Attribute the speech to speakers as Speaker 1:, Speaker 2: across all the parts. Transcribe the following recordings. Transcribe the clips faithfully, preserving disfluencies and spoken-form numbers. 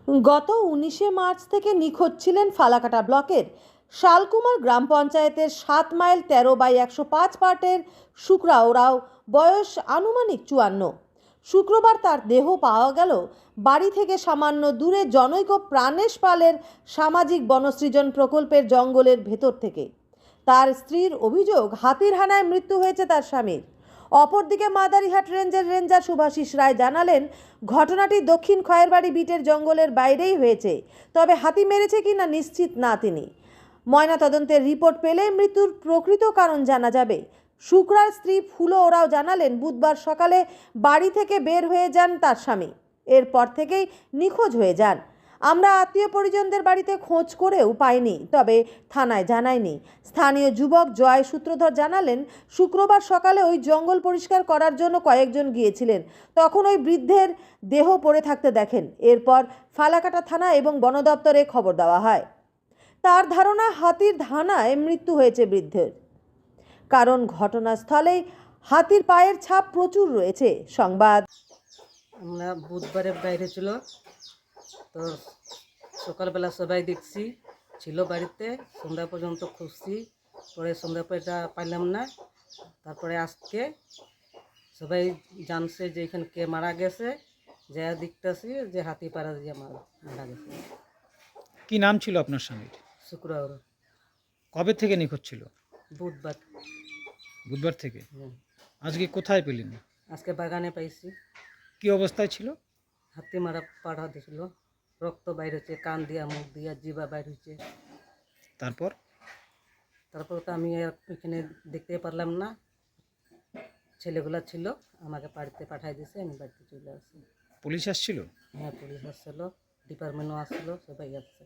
Speaker 1: গত উনিশে মার্চ থেকে নিখোঁজ ছিলেন ফালাকাটা ব্লকের শালকুমার গ্রাম পঞ্চায়েতের সাত মাইল তেরো বাই একশো পাঁচ পার্টের শুক্রা ওরাও, বয়স আনুমানিক চুয়ান্ন। শুক্রবার তার দেহ পাওয়া গেল বাড়ি থেকে সামান্য দূরে জনৈক প্রাণেশ পালের সামাজিক বনসৃজন প্রকল্পের জঙ্গলের ভেতর থেকে। তার স্ত্রীর অভিযোগ, হাতির হানায় মৃত্যু হয়েছে তার স্বামীর। অপরদিকে মাদারিহাট রেঞ্জের রেঞ্জার শুভাশিস রায় জানালেন, ঘটনাটি দক্ষিণ খয়েরবাড়ি বিটের জঙ্গলের বাইরেই হয়েছে, তবে হাতি মেরেছে কিনা নিশ্চিত না তিনি। ময়নাতদন্তের রিপোর্ট পেলে মৃত্যুর প্রকৃত কারণ জানা যাবে। শুক্রার স্ত্রী ফুলো ওরাও জানালেন, বুধবার সকালে বাড়ি থেকে বের হয়ে যান তার স্বামী, এরপর থেকেই নিখোঁজ হয়ে যান। আমরা আত্মীয় পরিজনদের বাড়িতে খোঁজ করেও পাইনি, তবে থানায় জানায়নি। স্থানীয় যুবক জয় সূত্রধর জানালেন, শুক্রবার সকালে ওই জঙ্গল পরিষ্কার করার জন্য কয়েকজন গিয়েছিলেন, তখন ওই বৃদ্ধের দেহ পড়ে থাকতে দেখেন। এরপর ফালাকাটা থানা এবং বন দপ্তরে খবর দেওয়া হয়। তার ধারণা, হাতির হানায় মৃত্যু হয়েছে বৃদ্ধের, কারণ ঘটনাস্থলেই হাতির পায়ের ছাপ প্রচুর রয়েছে। সংবাদ
Speaker 2: আমরা বুধবারে বাইরে ছিল, তো সকালবেলা সবাই দেখছি ছিল বাড়িতে, সন্ধ্যা পর্যন্ত খুঁজছি, পরে সন্ধ্যা পরে এটা পাইলাম না। তারপরে আজকে সবাই জানছে যে এখানে কে মারা গেছে, যা দেখতেছি যে হাতি পাড়া দিয়ে মারা মারা গেছে।
Speaker 3: কি নাম ছিল আপনার স্বামীর?
Speaker 2: শুক্রবার।
Speaker 3: কবে থেকে নিখোঁজ ছিল?
Speaker 2: বুধবার।
Speaker 3: বুধবার থেকে।
Speaker 2: হুম।
Speaker 3: আজকে কোথায় পেলেন?
Speaker 2: আজকে বাগানে পাইছি।
Speaker 3: কি অবস্থায় ছিল?
Speaker 2: হাতি মারা পাড়া দিয়েছিল, রক্ত বাইর হচ্ছে, কান দিয়া মুখ দিয়া জিবা বাইর হচ্ছে।
Speaker 3: তারপর
Speaker 2: তারপর তো আমি আর এখানে দেখতে পারলাম না, ছেলেগুলা ছিল, আমাকে বাড়িতে পাঠাই দিয়েছে, আমি বাড়িতে চলে আসছি।
Speaker 3: পুলিশ আসছিল?
Speaker 2: হ্যাঁ, পুলিশ আসছিল, ডিপার্টমেন্টও আসছিল, সবাই আসছে।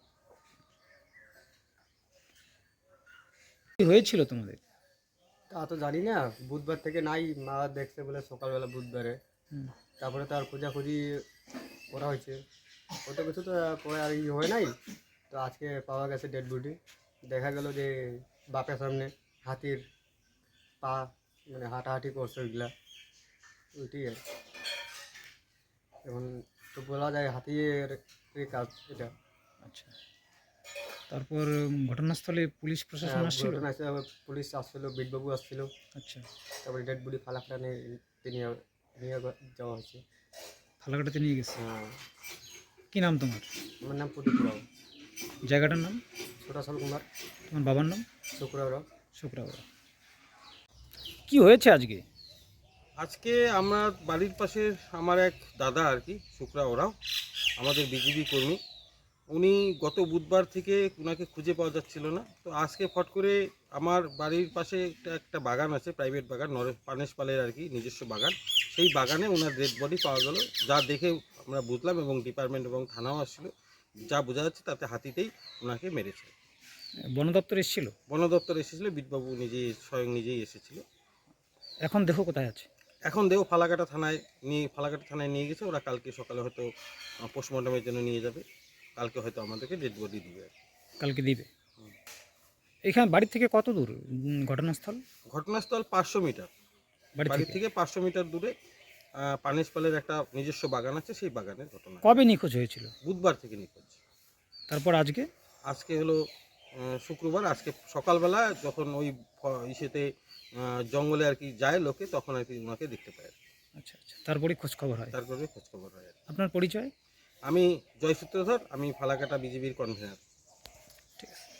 Speaker 3: কি হয়েছিল তোমাদের?
Speaker 4: তা তো জানি না, বুধবার থেকে নাই, মা দেখছে বলে সকালবেলা বুধবারে।
Speaker 3: হুম।
Speaker 4: তারপরে তো আর খোঁজাখুঁজি করা হয়েছে, ওটা কিছু তো পরে আর ই হয় নাই। তো আজকে পাওয়া গেছে ডেড বডি। দেখা গেল যে বাপের সামনে হাতির পা, মানে হাঁটাহাঁটি করছে ওইগুলা, ওইটি আর। এখন তো বলা যায় হাতির কাজ এটা।
Speaker 3: আচ্ছা, তারপর উম, ঘটনাস্থলে পুলিশ প্রশাসন আসছিল?
Speaker 4: ঘটনা আছে, পুলিশ আসছিল, বিটবাবু আসছিল।
Speaker 3: আচ্ছা,
Speaker 4: তারপরে ডেড বডি ফালাকটা নিয়ে নিয়ে নিয়ে যাওয়া হয়েছে।
Speaker 3: ফালাকাটাতে নিয়ে গেছে।
Speaker 4: হ্যাঁ।
Speaker 3: কি নাম তোমার?
Speaker 4: আমার নাম প্রদীপ রাও।
Speaker 3: জায়গাটার নাম?
Speaker 4: ছোটাশাল কুমার।
Speaker 3: তোমার বাবার নাম?
Speaker 4: শুক্রবার।
Speaker 3: শুক্রাওরা। কি হয়েছে আজকে?
Speaker 5: আজকে আমার বাড়ির পাশে আমার এক দাদা আর কি, শুক্রা ওরাও, আমাদের বিজেপি কর্মী। উনি গত বুধবার থেকে ওনাকে খুঁজে পাওয়া যাচ্ছিল না, তো আজকে ফট করে আমার বাড়ির পাশে একটা একটা বাগান আছে, প্রাইভেট বাগান, নরেশ পানেশ পালের আর কি নিজস্ব বাগান। সেই বাগানে ওনার ডেড বডি পাওয়া গেল, যা দেখে আমরা বুঝলাম, এবং ডিপার্টমেন্ট এবং থানাও আসছিলো। যা বোঝা যাচ্ছে তাতে হাতিতেই ওনাকে মেরেছে।
Speaker 3: বন দপ্তর এসেছিল?
Speaker 5: বন দপ্তর এসেছিলো, বিটবাবু নিজেই স্বয়ং নিজেই এসেছিল।
Speaker 3: এখন দেহ কোথায় আছে?
Speaker 5: এখন দেহ ফালাকাটা থানায় নিয়ে ফালাকাটা থানায় নিয়ে গেছে, ওরা কালকে সকালে হয়তো পোস্টমর্টমের জন্য নিয়ে যাবে, কালকে হয়তো আমাদেরকে ডেড বডি দিবে আর কি।
Speaker 3: কালকে দিবে। এখানে বাড়ি থেকে কত দূর উম, ঘটনাস্থল?
Speaker 5: ঘটনাস্থল পাঁচশো মিটার,
Speaker 3: বাড়ি
Speaker 5: বাড়ি
Speaker 3: থেকে
Speaker 5: থেকে পাঁচশো মিটার দূরে পানেশপালের একটা নিজস্ব বাগান আছে, সেই বাগানের ঘটনা।
Speaker 3: কবে নিখোঁজ হয়েছিল?
Speaker 5: বুধবার থেকে নিখোঁজ।
Speaker 3: তারপর আজকে?
Speaker 5: আজকে হলো আহ, শুক্রবার। আজকে সকালবেলা যখন ওই ফ- ইসেতে আহ, জঙ্গলে আর কি যায় লোকে, তখন আর কি ওনাকে দেখতে পায় আর কি।
Speaker 3: আচ্ছা আচ্ছা, তারপরে খোঁজ খবর হয়।
Speaker 5: তারপরে খোঁজখবর হয় আর কি।
Speaker 3: আপনার পরিচয়?
Speaker 5: আমি জয় সূত্রধর, আমি ফালাকাটা বিজেপির কনভেনার।
Speaker 3: ঠিক আছে।